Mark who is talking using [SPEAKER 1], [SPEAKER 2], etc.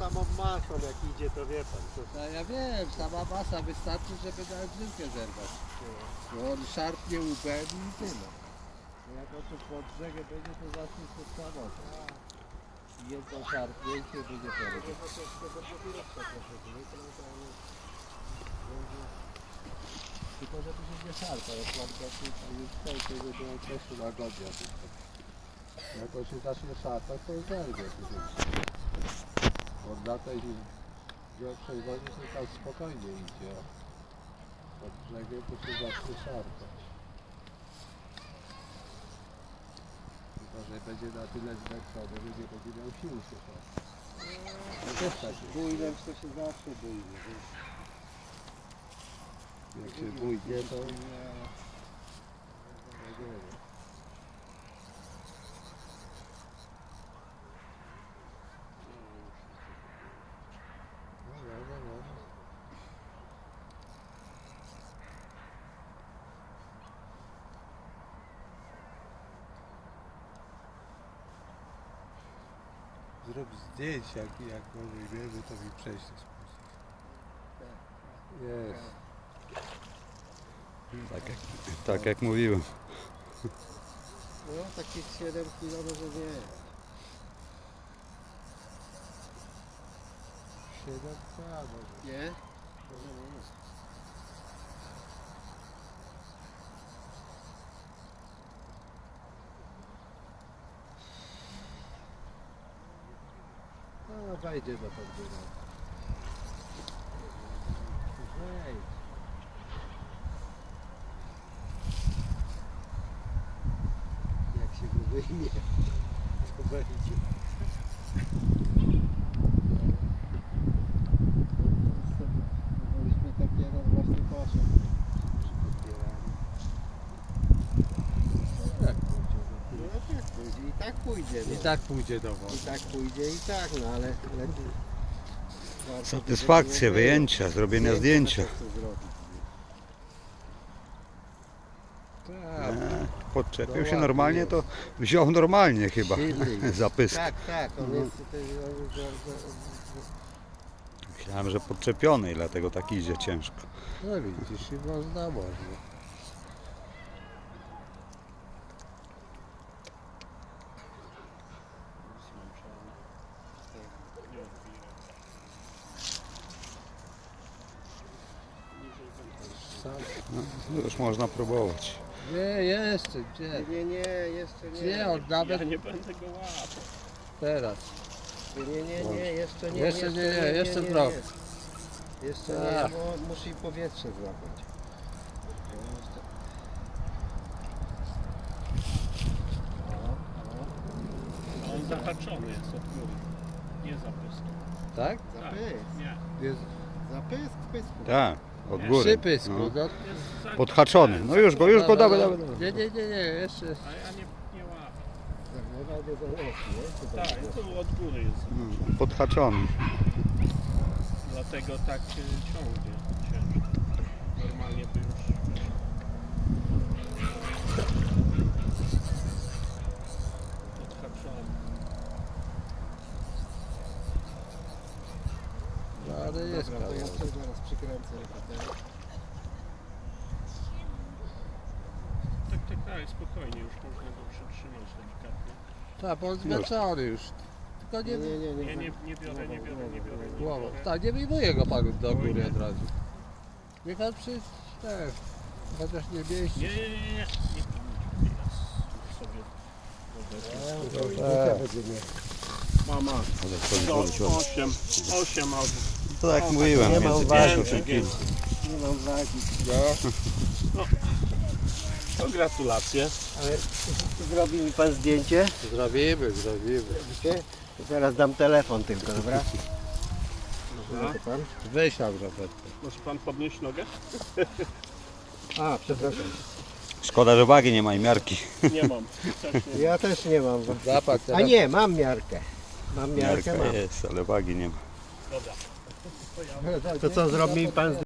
[SPEAKER 1] samą masą jak idzie, to wie pan. To...
[SPEAKER 2] No ja wiem, sama masa wystarczy, żeby nawet żyłkę zerwać. Bo on szarpnie łbem i tyle. Jak on tu pod brzegiem będzie, to zacznie się samo. Jedno szarpnięcie będzie porobione. Tylko żeby się nie szarpał, jak mam już tutaj, to nie było czasu łagodnia. Jak on się zacznie szarpać, to zerwie. Od na tej większej wodzie to tam spokojnie idzie. Pod brzegiem to się zacznie szarpać. Tylko, że będzie na tyle zmęczony, że nie będzie miał sił się szarpać. No też tak. Bójnem to się zawsze bójnie. Jak się bójnie, to nie.
[SPEAKER 1] Zrób zdjęcia, jak może wiemy, to mi przejść to spuścić.
[SPEAKER 2] Jest.
[SPEAKER 3] Tak jak mówiłem.
[SPEAKER 2] No takich 7 kilo może nie.
[SPEAKER 1] 7 może.
[SPEAKER 2] Nie? Może nie. No wejdzie do podbiera. Wejdź. Jak się go wyjmie, to wejdzie. Powoliśmy taki jeden właśnie poszedł. Tak pójdzie. I tak pójdzie do wody. I tak pójdzie i tak, no ale lepiej.
[SPEAKER 3] Satysfakcja, wyjęcia, zrobienia zdjęcia. Podczepił się normalnie, to wziął normalnie chyba zapysk.
[SPEAKER 2] Tak, on jest tutaj.
[SPEAKER 3] Myślałem, że podczepiony i dlatego tak idzie ciężko.
[SPEAKER 2] No widzisz, i można.
[SPEAKER 3] No, już można próbować.
[SPEAKER 2] Nie, jeszcze, gdzie? Nie, jeszcze nie. Gdzie, on nawet...
[SPEAKER 4] Ja nie będę go łapał.
[SPEAKER 2] Teraz.
[SPEAKER 1] Nie, jeszcze nie.
[SPEAKER 2] Jeszcze nie, jeszcze trochę.
[SPEAKER 1] Jeszcze nie, bo musi powietrze złapać.
[SPEAKER 4] A on zahaczony jest od góry. Nie zapysk.
[SPEAKER 2] Tak?
[SPEAKER 1] Zapysk.
[SPEAKER 4] Nie.
[SPEAKER 2] Jest
[SPEAKER 1] Zapysk w pysku.
[SPEAKER 3] Tak, od góry.
[SPEAKER 2] przypysk,
[SPEAKER 3] No.
[SPEAKER 2] no.
[SPEAKER 4] Jest
[SPEAKER 3] Podhaczony. No już go, dawaj.
[SPEAKER 2] Nie, jeszcze.
[SPEAKER 4] A ja nie łapię.
[SPEAKER 1] Zagrywa do załogi, nie?
[SPEAKER 4] Tak, to od góry jest.
[SPEAKER 3] Podhaczony.
[SPEAKER 4] Dlatego tak ciągnie ciężko. Normalnie by już... Podhaczony.
[SPEAKER 2] No ale jest
[SPEAKER 1] Dobra, to ja
[SPEAKER 2] kawał.
[SPEAKER 1] sobie zaraz przykręcę repeterę.
[SPEAKER 4] Tak, spokojnie, już można go przytrzymać delikatnie.
[SPEAKER 2] Tak, bo on zmęczony już. Tylko nie
[SPEAKER 4] Nie biorę.
[SPEAKER 2] głową. Tak, nie wyjmuje go pan do góry od razu. Niech pan chociaż nie mieści.
[SPEAKER 4] Nie. Ja sobie Mama, 8 albo...
[SPEAKER 3] To jak mówiłem,
[SPEAKER 1] Nie ma
[SPEAKER 3] między
[SPEAKER 1] uwagi.
[SPEAKER 3] 50 kg.
[SPEAKER 1] Nie mam wagi.
[SPEAKER 4] To gratulacje.
[SPEAKER 1] Ale zrobi mi pan zdjęcie?
[SPEAKER 2] Zrobimy.
[SPEAKER 1] Widzicie? To teraz dam telefon tylko, dobra?
[SPEAKER 4] Dobra.
[SPEAKER 1] To pan?
[SPEAKER 2] Weź tam Robert.
[SPEAKER 4] Może pan podnieść nogę?
[SPEAKER 1] A, przepraszam.
[SPEAKER 3] Szkoda, że wagi nie ma i miarki.
[SPEAKER 4] Nie mam.
[SPEAKER 1] Ja też nie mam.
[SPEAKER 2] Zapad
[SPEAKER 1] A nie, mam miarkę. Mam miarkę,
[SPEAKER 3] Miarka
[SPEAKER 1] mam.
[SPEAKER 3] jest, ale wagi nie ma.
[SPEAKER 4] Dobra.
[SPEAKER 1] To co, zrobi mi pan